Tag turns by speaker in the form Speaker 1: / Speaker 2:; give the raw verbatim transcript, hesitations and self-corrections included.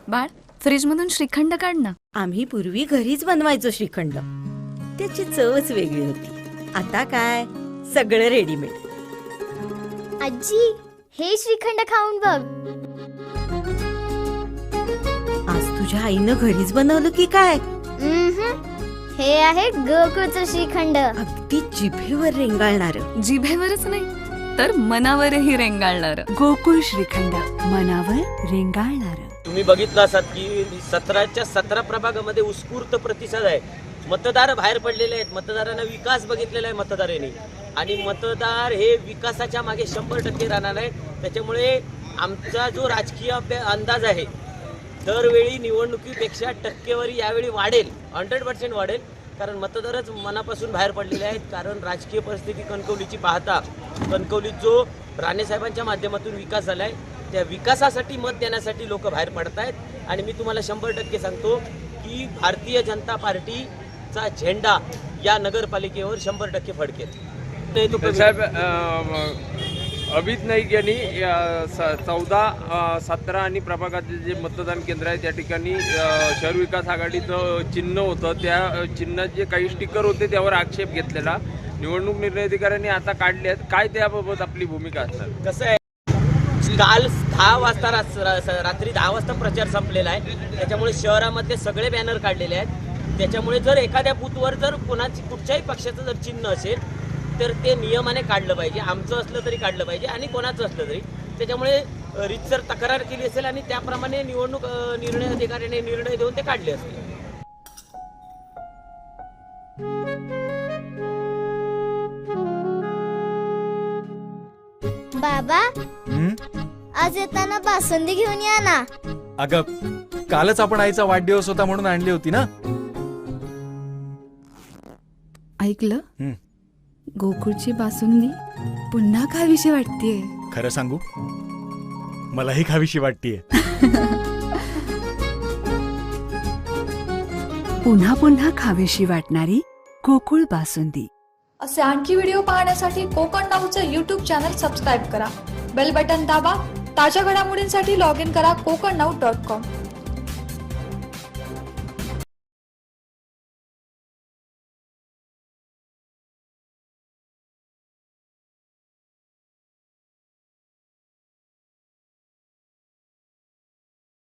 Speaker 1: बाळ, फ्रीज मधून श्रीखंड काढ ना.
Speaker 2: आम्ही पूर्वी घरीच बनवायचो श्रीखंड. त्याची चवच वेगळी होती. आता काय सगळं रेडीमेड.
Speaker 3: आजी, हे श्रीखंड खाऊन बघ.
Speaker 2: आज तुझ्या आईनं घरीच बनवलं की काय?
Speaker 3: उम्हम. हे आहे गोकुळचं श्रीखंड.
Speaker 2: अगदी जिभेवर रेंगाळणार.
Speaker 1: जिभेवरच नाही तर मनावरही रेंगाळणार.
Speaker 4: गोकुळ श्रीखंड, मनावर रेंगाळणार.
Speaker 5: तुम्ही बघितलं असाल की सतराच्या सतरा प्रभागामध्ये उत्स्फूर्त प्रतिसाद आहे. मतदार बाहेर पडलेले आहेत. मतदारांना विकास बघितलेला आहे मतदारांनी, आणि मतदार हे विकासाच्या मागे शंभर टक्के राहणार आहे. त्याच्यामुळे आमचा जो राजकीय अंदाज आहे, दरवेळी निवडणुकीपेक्षा टक्केवारी यावेळी वाढेल, हंड्रेड पर्सेंट वाढेल. कारण मतदारच मनापासून बाहेर पडलेले आहेत. कारण राजकीय परिस्थिती कणकवलीची पाहता, कणकवलीत जो राणेसाहेबांच्या माध्यमातून विकास झाला आहे, त्या विकासासाठी मत देण्यासाठी लोक बाहेर पडत आहेत. आणि मी तुम्हाला शंभर टक्के सांगतो की भारतीय जनता पार्टीचा झेंडा या नगरपालिकेवर शंभर टक्के फडकेल.
Speaker 6: साहेब, अभित नाईक यांनी चौदा सतरा आणि प्रभागाचे जे मतदान केंद्र आहे त्या ठिकाणी शहर विकास आघाडीचं चिन्ह होतं, त्या चिन्हाचे काही स्टिकर होते त्यावर आक्षेप घेतलेला निवडणूक निर्णय अधिकाऱ्यांनी आता काढले आहेत. काय त्याबाबत आपली भूमिका असणार?
Speaker 5: कसं आहे, काल दहा वाजता रात्री दहा वाजता प्रचार संपलेला आहे. त्याच्यामुळे शहरामध्ये सगळे बॅनर काढलेले आहेत. त्याच्यामुळे जर एखाद्या बूथवर जर कोणाची कुठच्याही पक्षाचं जर चिन्ह असेल तर ते नियमाने काढलं पाहिजे. आमचं असलं तरी काढलं पाहिजे आणि कोणाचं असलं तरी. त्याच्यामुळे रीतसर तक्रार केली असेल आणि त्याप्रमाणे निवडणूक निर्णय अधिकाऱ्याने निर्णय देऊन ते काढले असतील.
Speaker 3: बाबा, आज येताना बासुंदी घेऊन या ना.
Speaker 7: अगं, कालच आपण आईचा वाढदिवस होता म्हणून आणली होती ना.
Speaker 1: ऐकलं, गोकुळची बासुंदी पुन्हा खावीशी वाटतेय.
Speaker 7: खरं सांगू, मलाही खावीशी वाटतेय.
Speaker 4: पुन्हा पुन्हा खावीशी वाटणारी गोकुळ बासुंदी.
Speaker 8: असे आणखी व्हिडिओ पाहण्यासाठी कोकण नाऊचं यूट्यूब चॅनल सबस्क्राईब करा. बेल बटन दाबा. ताज्या घडामोडींसाठी लॉग इन करा कोकण नाऊ डॉट कॉम.